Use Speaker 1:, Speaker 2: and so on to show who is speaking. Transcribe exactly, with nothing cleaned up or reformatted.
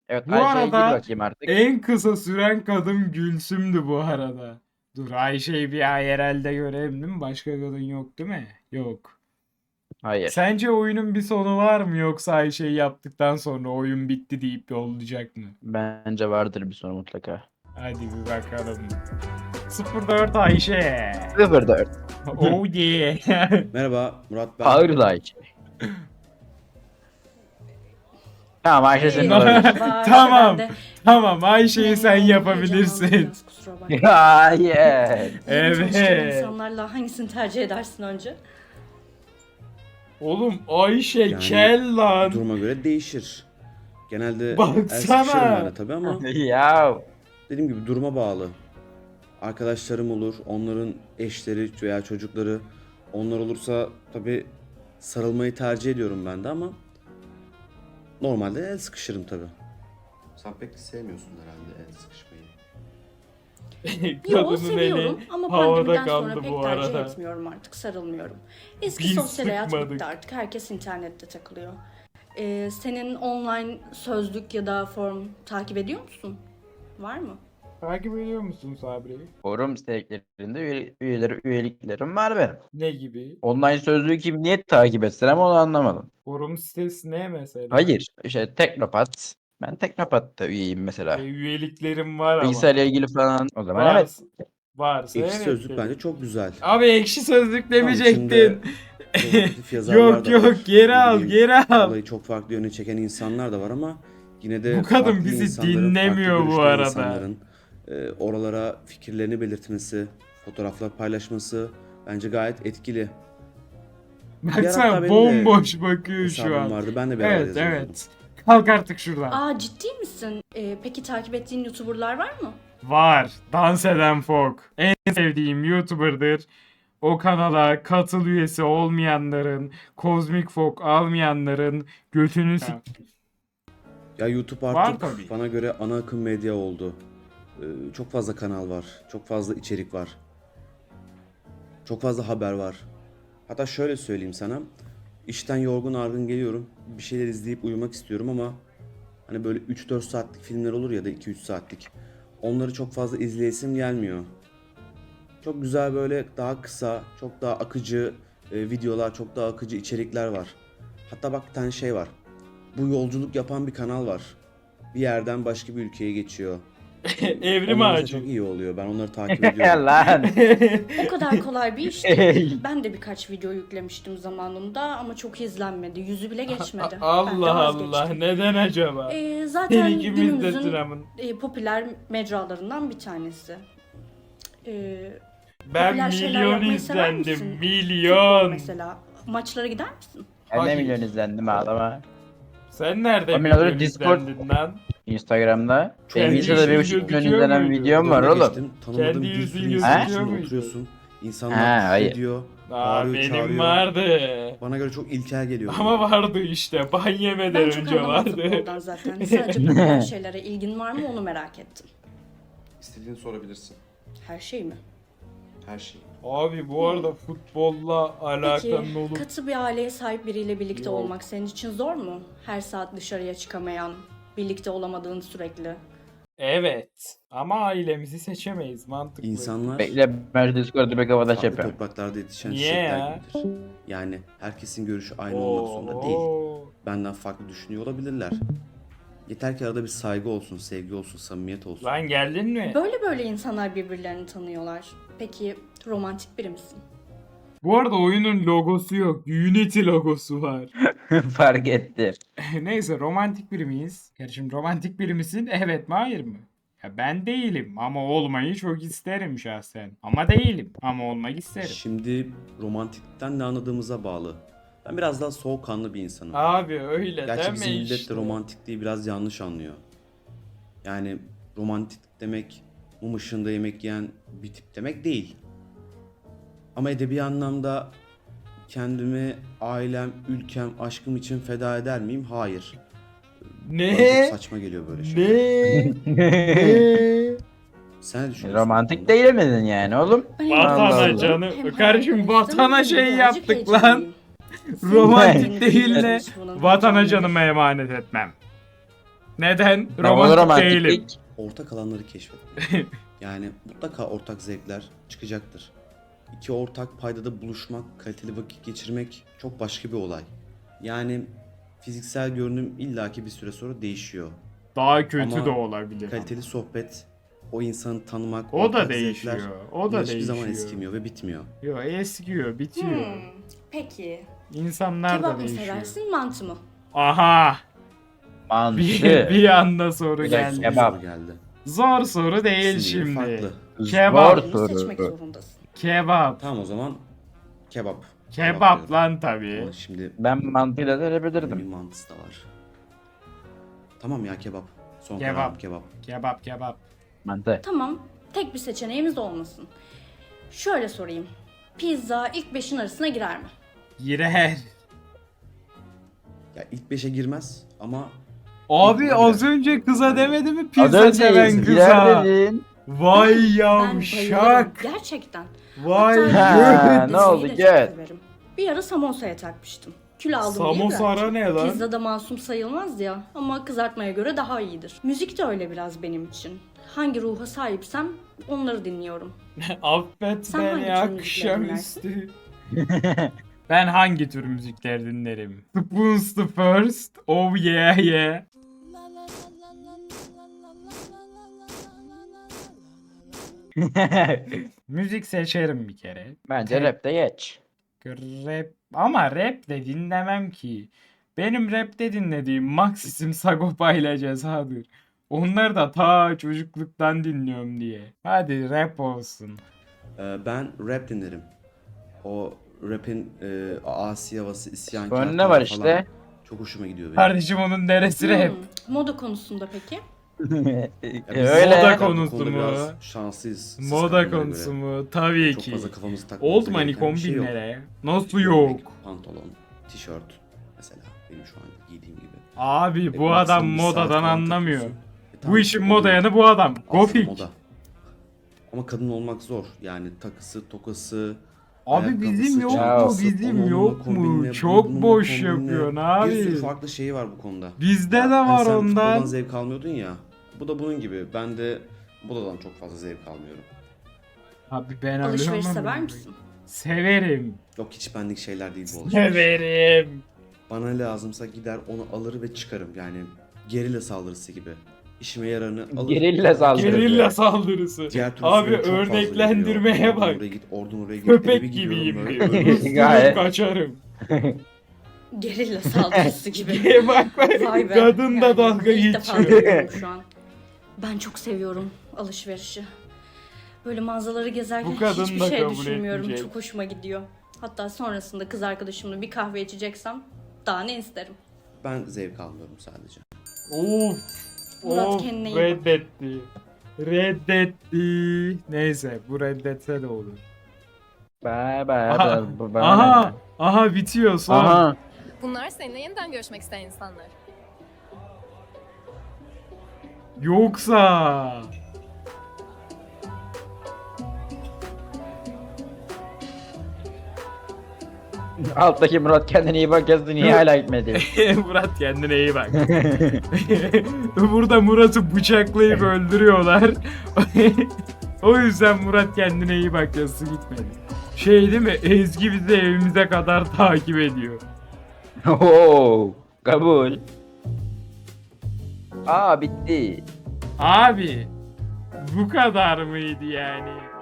Speaker 1: Evet,
Speaker 2: Bu
Speaker 1: Ayşe'ye gir
Speaker 2: arada
Speaker 1: bakayım artık.
Speaker 2: en kısa süren kadın Gülsüm'dü bu arada. Dur, Ayşe'yi bir I R L'de görelim değil mi? Başka kadın yok değil mi? Yok.
Speaker 1: Hayır.
Speaker 2: Sence oyunun bir sonu var mı, yoksa Ayşe'yi yaptıktan sonra oyun bitti deyip yollayacak mı?
Speaker 1: Bence vardır bir sonu mutlaka.
Speaker 2: Hadi bir bakalım. sıfır dört Ayşe.
Speaker 1: sıfır dört.
Speaker 2: Oh yeah.
Speaker 3: Merhaba Murat ben.
Speaker 1: Ağır da Ayşe. Tamam, Ayşe senin
Speaker 4: Hey,
Speaker 1: olabilir.
Speaker 4: merhaba, Ayşe,
Speaker 2: Tamam.
Speaker 4: ben de.
Speaker 2: Tamam, Ayşe'yi sen
Speaker 4: Heyecanlandım
Speaker 2: yapabilirsin.
Speaker 4: biraz, kusura bakma.
Speaker 1: Hayır.
Speaker 4: Yeni tanıştığın
Speaker 2: Evet.
Speaker 4: insanlarla hangisini tercih edersin önce?
Speaker 2: Oğlum Ayşe
Speaker 3: Yani
Speaker 2: kel lan.
Speaker 3: Duruma göre değişir. Genelde el
Speaker 2: Baksana.
Speaker 3: sıkışırım ben de tabii ama
Speaker 1: Ya.
Speaker 3: dediğim gibi duruma bağlı. Arkadaşlarım olur, onların eşleri veya çocukları, onlar olursa tabii sarılmayı tercih ediyorum ben de ama normalde el sıkışırım tabii. Sen pek sevmiyorsun herhalde el sıkışmayı.
Speaker 4: Yo,
Speaker 2: Kadının
Speaker 4: seviyorum
Speaker 2: eli
Speaker 4: ama
Speaker 2: havada
Speaker 4: pandemiden
Speaker 2: kaldı
Speaker 4: sonra pek
Speaker 2: bu
Speaker 4: tercih
Speaker 2: arada.
Speaker 4: etmiyorum artık, sarılmıyorum. Eski
Speaker 2: Biz
Speaker 4: sosyal hayat
Speaker 2: sıkmadık.
Speaker 4: bitti artık, herkes internette takılıyor. Ee, senin online sözlük ya da form takip ediyor musun? Var mı?
Speaker 2: Takip ediyor musun Sabri'yi?
Speaker 1: Forum sitelerinde üye, üyeleri, üyeliklerim var benim.
Speaker 2: Ne gibi?
Speaker 1: Online sözlüğü kim niye takip etsin ama onu anlamadım.
Speaker 2: Forum sitesi ne mesela?
Speaker 1: Hayır. İşte Teknopat. Ben Teknopat'ta üyeyim mesela.
Speaker 2: E, üyeliklerim var ama.
Speaker 1: Bilgisayarla ilgili falan. O zaman evet.
Speaker 2: Varsa, varsa
Speaker 3: Ekşi
Speaker 2: evet
Speaker 3: sözlük
Speaker 2: dedim.
Speaker 3: bence çok güzel.
Speaker 2: Abi ekşi sözlük demeyecektin.
Speaker 3: içinde provokatif yazarlar
Speaker 2: Yok
Speaker 3: da
Speaker 2: yok,
Speaker 3: var.
Speaker 2: geri
Speaker 3: Ne
Speaker 2: al
Speaker 3: bileyim,
Speaker 2: geri al.
Speaker 3: Olayı çok farklı yöne çeken insanlar da var ama yine de
Speaker 2: Bu kadın
Speaker 3: farklı
Speaker 2: bizi
Speaker 3: insanların,
Speaker 2: dinlemiyor
Speaker 3: farklı
Speaker 2: bu
Speaker 3: görüşten
Speaker 2: arada.
Speaker 3: insanların, e, oralara fikirlerini belirtmesi, fotoğraflar paylaşması bence gayet etkili. Bir ara hatta
Speaker 2: Baksana
Speaker 3: benim de
Speaker 2: bomboş bakıyor şu
Speaker 3: Hesabım
Speaker 2: an.
Speaker 3: vardı. Ben de bir ara
Speaker 2: Evet
Speaker 3: yazıyordum.
Speaker 2: evet. Kalk artık şuradan.
Speaker 4: Aa, ciddi misin? Ee, peki takip ettiğin YouTuber'lar var mı?
Speaker 2: Var. Dans eden Fok. En sevdiğim YouTuber'dır. O kanala katıl üyesi olmayanların, Kozmik Fok almayanların götünü s-
Speaker 3: Ya YouTube
Speaker 2: Var
Speaker 3: artık
Speaker 2: tabii.
Speaker 3: bana göre ana akım medya oldu. Ee, çok fazla kanal var. Çok fazla içerik var. Çok fazla haber var. Hatta şöyle söyleyeyim sana. İşten yorgun argın geliyorum. Bir şeyler izleyip uyumak istiyorum ama hani böyle üç dört saatlik filmler olur ya da iki üç saatlik. Onları çok fazla izleyesim gelmiyor. Çok güzel böyle daha kısa, çok daha akıcı e, videolar, çok daha akıcı içerikler var. Hatta bak bir tane şey var. Bu yolculuk yapan bir kanal var. Bir yerden başka bir ülkeye geçiyor.
Speaker 2: Evrim
Speaker 3: Onlar da
Speaker 2: ağacı.
Speaker 3: çok iyi oluyor. Ben onları takip ediyorum.
Speaker 1: Lan.
Speaker 4: O kadar kolay bir iş değil. Ben de birkaç video yüklemiştim zamanında ama çok izlenmedi. Yüzü bile geçmedi. Ben de
Speaker 2: Allah Allah,
Speaker 4: vazgeçtim.
Speaker 2: neden acaba?
Speaker 4: Ee, zaten
Speaker 2: İkimiz de
Speaker 4: günümüzün
Speaker 2: sıramın.
Speaker 4: e, popüler mecralarından bir tanesi. Ee,
Speaker 2: Ben
Speaker 4: popüler şeyler
Speaker 2: milyon
Speaker 4: yapmayı sever
Speaker 2: izlendim.
Speaker 4: misin? Futbol
Speaker 2: Milyon.
Speaker 4: mesela. Maçlara gider misin?
Speaker 1: Ben de
Speaker 2: Hayır.
Speaker 1: milyon izlendim ağlama.
Speaker 2: Sen nerede
Speaker 1: O milyon
Speaker 2: milyon
Speaker 1: Discord-
Speaker 2: izlendin lan?
Speaker 1: Instagram'da.
Speaker 3: Çok
Speaker 1: Benim
Speaker 3: iyi
Speaker 1: Instagram'da bir
Speaker 3: gözüküyor
Speaker 1: buçuk milyon
Speaker 2: muydu?
Speaker 1: izlenen videom var
Speaker 3: Önüne
Speaker 1: oğlum.
Speaker 3: geçtim, tanımadığım
Speaker 2: Kendi
Speaker 3: bir
Speaker 2: yüzün
Speaker 3: sürü
Speaker 2: gözüküyor
Speaker 3: insanın içinde
Speaker 2: muydu?
Speaker 3: oturuyorsun. İnsanlar
Speaker 1: Ha,
Speaker 3: küfür
Speaker 1: hayır.
Speaker 3: ediyor,
Speaker 2: Aa,
Speaker 3: bağırıyor,
Speaker 2: benim
Speaker 3: çağırıyor.
Speaker 2: vardı.
Speaker 3: Bana göre çok ilkel geliyor.
Speaker 2: Ama vardı işte. Ban yemeden
Speaker 4: Ben çok
Speaker 2: önce
Speaker 4: anlamam
Speaker 2: vardı.
Speaker 4: futboldan zaten. Sadece popüler şeylere ilgin var mı onu merak ettim.
Speaker 5: İstediğini sorabilirsin.
Speaker 4: Her şey mi?
Speaker 5: Her şey.
Speaker 2: Abi bu arada futbolla
Speaker 4: Peki
Speaker 2: alakan olup
Speaker 4: katı bir aileye sahip biriyle birlikte
Speaker 2: Yok.
Speaker 4: olmak senin için zor mu? Her saat dışarıya çıkamayan, birlikte olamadığın sürekli.
Speaker 2: evet. Ama ailemizi seçemeyiz, mantıklı.
Speaker 3: İnsanlar
Speaker 1: Bekle, ben şu Discord'u bir kapataş
Speaker 3: farklı
Speaker 1: yapıyorum.
Speaker 3: topraklarda yetişen
Speaker 2: Niye
Speaker 3: çiçekler
Speaker 2: ya?
Speaker 3: gibidir. Yani herkesin görüşü aynı olmak zorunda değil.
Speaker 2: Oo.
Speaker 3: Benden farklı düşünüyor olabilirler. Yeter ki arada bir saygı olsun, sevgi olsun, samimiyet olsun.
Speaker 2: Lan geldin mi?
Speaker 4: Böyle böyle insanlar birbirlerini tanıyorlar. Peki romantik biri misin?
Speaker 2: Bu arada oyunun logosu yok. Unity logosu var.
Speaker 1: Fark ettim.
Speaker 2: Neyse, romantik biri miyiz? Kardeşim, romantik biri misin? Evet mi hayır mı? Ya ben değilim ama olmayı çok isterim şahsen. Ama değilim ama olmak isterim.
Speaker 3: Şimdi romantikten ne anladığımıza bağlı. Ben biraz daha soğukkanlı bir insanım.
Speaker 2: Abi öyle
Speaker 3: Gerçi
Speaker 2: deme
Speaker 3: bizim millet
Speaker 2: işte.
Speaker 3: de romantikliği biraz yanlış anlıyor. Yani romantik demek mum ışığında yemek yiyen bir tip demek değil. Ama edebi anlamda kendimi, ailem, ülkem, aşkım için feda eder miyim? Hayır. Bana
Speaker 2: Ne?
Speaker 3: çok saçma geliyor böyle şeyler.
Speaker 2: Ne? Ne?
Speaker 3: Sen ne düşünüyorsun?
Speaker 1: Romantik değil miydin yani oğlum?
Speaker 4: Ben
Speaker 2: Vatana
Speaker 1: Allah.
Speaker 2: canım.
Speaker 4: Hem
Speaker 2: Kardeşim,
Speaker 4: hayal
Speaker 2: vatana
Speaker 4: ettim,
Speaker 2: şey
Speaker 4: hem
Speaker 2: yaptık
Speaker 4: birazcık
Speaker 2: lan.
Speaker 4: heyecanlıyım.
Speaker 2: Romantik
Speaker 4: Senin
Speaker 2: değil ne?
Speaker 4: tanışmanın
Speaker 2: Vatana
Speaker 4: heyecanı.
Speaker 2: canıma emanet etmem. Neden?
Speaker 1: Havalı
Speaker 2: Romantik değilim.
Speaker 1: romantiklik.
Speaker 3: Ortak alanları keşfetmek. Yani mutlaka ortak zevkler çıkacaktır. İki ortak paydada buluşmak, kaliteli vakit geçirmek çok başka bir olay. Yani fiziksel görünüm illaki bir süre sonra değişiyor.
Speaker 2: Daha kötü
Speaker 3: Ama
Speaker 2: de olabilir.
Speaker 3: Kaliteli sohbet, o insanı tanımak,
Speaker 2: O da
Speaker 3: ortak
Speaker 2: değişiyor.
Speaker 3: zevkler
Speaker 2: O da
Speaker 3: hiçbir
Speaker 2: değişiyor.
Speaker 3: zaman eskimiyor ve bitmiyor.
Speaker 2: Yo, eskiyor, bitiyor.
Speaker 4: Hmm, peki.
Speaker 2: İnsanlar da
Speaker 4: Kebap mı
Speaker 2: değişiyor.
Speaker 4: seversin, mantı mı?
Speaker 2: Aha!
Speaker 1: Mantı.
Speaker 2: Bir, bir anda soru
Speaker 1: Bir dakika,
Speaker 2: geldi.
Speaker 1: kebap.
Speaker 3: Soru geldi.
Speaker 2: Zor soru değil
Speaker 3: Siniri
Speaker 2: şimdi.
Speaker 3: farklı.
Speaker 2: Kebap.
Speaker 1: Zor
Speaker 4: Birini seçmek
Speaker 1: soru.
Speaker 4: zorundasın.
Speaker 2: Kebap.
Speaker 3: Tamam o zaman kebap.
Speaker 2: Kebap
Speaker 3: diyorum.
Speaker 2: lan tabii.
Speaker 3: Ama şimdi
Speaker 1: Ben mantıyla da
Speaker 3: bir
Speaker 1: verebilirdim.
Speaker 3: mantısı da var. Tamam ya kebap. Son
Speaker 2: Kebap.
Speaker 3: kararım kebap.
Speaker 2: Kebap kebap.
Speaker 1: Mantı.
Speaker 4: Tamam, tek bir seçeneğimiz olmasın. Şöyle sorayım. Pizza ilk beşin arasına girer mi?
Speaker 2: Girer.
Speaker 3: Ya ilk beşe girmez ama
Speaker 2: Abi
Speaker 3: girer.
Speaker 2: az önce kıza demedi mi
Speaker 1: Az
Speaker 2: pizza
Speaker 1: önce
Speaker 2: seven
Speaker 1: girer
Speaker 2: kıza?
Speaker 1: dedin.
Speaker 2: Vay
Speaker 4: Ben bayılırım,
Speaker 2: yavşak.
Speaker 4: gerçekten.
Speaker 2: Vay
Speaker 1: Ha,
Speaker 2: göt.
Speaker 1: ne oldu,
Speaker 4: Deseyi de
Speaker 1: gel.
Speaker 4: çok severim. Bir ara samosaya takmıştım. Kilo aldım diye
Speaker 2: Samosa
Speaker 4: bıraktım.
Speaker 2: ara ne lan?
Speaker 4: Pizzada masum sayılmaz ya ama kızartmaya göre daha iyidir. Müzik de öyle biraz benim için. Hangi ruha sahipsem onları dinliyorum.
Speaker 2: Affet
Speaker 4: Sen hangi
Speaker 2: beni
Speaker 4: tür müzikler
Speaker 2: akşamüstü. Ben hangi tür müzikler dinlerim? Spoons the First. Oh yeah yeah. Müzik seçerim bir kere.
Speaker 1: Bence rapte geç.
Speaker 2: Rap ama rap de dinlemem ki. Benim rapte dinlediğim Maxim Sagopa ile Ceza'dır. Onları da ta çocukluktan dinliyorum diye. Hadi rap olsun.
Speaker 3: e, ben rap dinlerim. O rapin e, asi havası, isyankar
Speaker 1: Önüne
Speaker 3: tarzı
Speaker 1: var
Speaker 3: falan
Speaker 1: işte.
Speaker 3: çok hoşuma gidiyor benim.
Speaker 2: Kardeşim onun neresi rap?
Speaker 4: Hmm, moda konusunda peki?
Speaker 3: Ya biz
Speaker 1: Öyle.
Speaker 2: Moda
Speaker 3: bu
Speaker 2: konusu
Speaker 3: konuda
Speaker 2: mu?
Speaker 3: biraz şanslıyız. siz
Speaker 2: Moda
Speaker 3: kadınlara
Speaker 2: konusu
Speaker 3: göre.
Speaker 2: mu? Tabii
Speaker 3: Çok
Speaker 2: ki.
Speaker 3: fazla kafamızı takmamız
Speaker 2: Old money
Speaker 3: gereken bir şey yok.
Speaker 2: kombinlere. Nasıl
Speaker 3: Gömlek,
Speaker 2: yok?
Speaker 3: Pantolon, tişört mesela benim şu an giydiğim gibi.
Speaker 2: Abi
Speaker 3: E,
Speaker 2: bu adam
Speaker 3: maksimum bir saat
Speaker 2: modadan
Speaker 3: falan
Speaker 2: anlamıyor.
Speaker 3: takıyorsun. E,
Speaker 2: Bu
Speaker 3: tamam,
Speaker 2: işin
Speaker 3: oluyor.
Speaker 2: moda yanı bu adam.
Speaker 3: Aslında
Speaker 2: Gofik.
Speaker 3: moda. Ama kadın olmak zor. Yani takısı, tokası,
Speaker 2: Abi
Speaker 3: ayakkabısı,
Speaker 2: bizim yok mu?
Speaker 3: çantası,
Speaker 2: Bizim
Speaker 3: onunla
Speaker 2: yok mu?
Speaker 3: kombinle,
Speaker 2: Çok
Speaker 3: bununla
Speaker 2: boş
Speaker 3: kombinle.
Speaker 2: yapıyorsun
Speaker 3: Bir sürü
Speaker 2: abi.
Speaker 3: farklı şeyi var bu konuda.
Speaker 2: Bizde
Speaker 3: Ya,
Speaker 2: de
Speaker 3: hani
Speaker 2: var
Speaker 3: sen
Speaker 2: ondan.
Speaker 3: futboldan zevk almıyordun ya. Bu da bunun gibi. Ben de modadan çok fazla zevk almıyorum.
Speaker 2: Abi ben
Speaker 4: Alışveriş
Speaker 2: ölüyorum
Speaker 4: sever
Speaker 2: ama.
Speaker 4: misin?
Speaker 2: Severim.
Speaker 3: Yok hiç benlik şeyler değil bu alışveriş.
Speaker 2: Severim.
Speaker 3: Bana lazımsa gider onu alır ve çıkarım. Yani gerilla saldırısı gibi. İşime yararını alır.
Speaker 1: Gerilla saldırısı.
Speaker 2: Gerilla saldırısı.
Speaker 3: Diğer türlü
Speaker 2: Abi
Speaker 3: süre çok fazla
Speaker 2: örneklendirmeye
Speaker 3: gidiyor.
Speaker 2: bak.
Speaker 3: Oradan oraya git, oradan oraya git. Eve
Speaker 2: Köpek
Speaker 3: bir gidiyorum
Speaker 2: gibiyim
Speaker 3: böyle.
Speaker 2: diyor. Isırıp
Speaker 1: Gayet.
Speaker 2: kaçarım.
Speaker 4: Gerilla saldırısı gibi.
Speaker 2: bak bak.
Speaker 4: Vay be.
Speaker 2: Kadın da
Speaker 4: Yani
Speaker 2: dalga
Speaker 4: ilk defa
Speaker 2: geçiyor.
Speaker 4: duyuyorum şu an. Ben çok seviyorum alışverişi. Böyle mağazaları gezerken
Speaker 2: Bu kadın
Speaker 4: hiçbir
Speaker 2: da
Speaker 4: şey
Speaker 2: kabul
Speaker 4: düşünmüyorum.
Speaker 2: etmeyecek.
Speaker 4: Çok hoşuma gidiyor. Hatta sonrasında kız arkadaşımla bir kahve içeceksem daha ne isterim.
Speaker 3: Ben zevk almıyorum sadece.
Speaker 2: Of.
Speaker 4: Murat
Speaker 2: of,
Speaker 4: kendine iyi bak.
Speaker 2: reddetti. Reddetti. Neyse bu reddetse de olur.
Speaker 1: Bye bye.
Speaker 2: Aha.
Speaker 1: bye, bye.
Speaker 2: Aha. Aha bitiyor son.
Speaker 1: Aha.
Speaker 6: Bunlar seninle yeniden görüşmek isteyen insanlar.
Speaker 2: Yoksa.
Speaker 1: Alttaki Murat kendine iyi bak yazdı. Niye hala gitmedi?
Speaker 2: Murat kendine iyi bak. Burada Murat'ı bıçaklayıp öldürüyorlar. O yüzden Murat kendine iyi bak yazısı gitmedi. Şey değil mi? Ezgi bizi evimize kadar takip ediyor.
Speaker 1: Oo, kabul. Aa bitti.
Speaker 2: Abi bu kadar mıydı yani?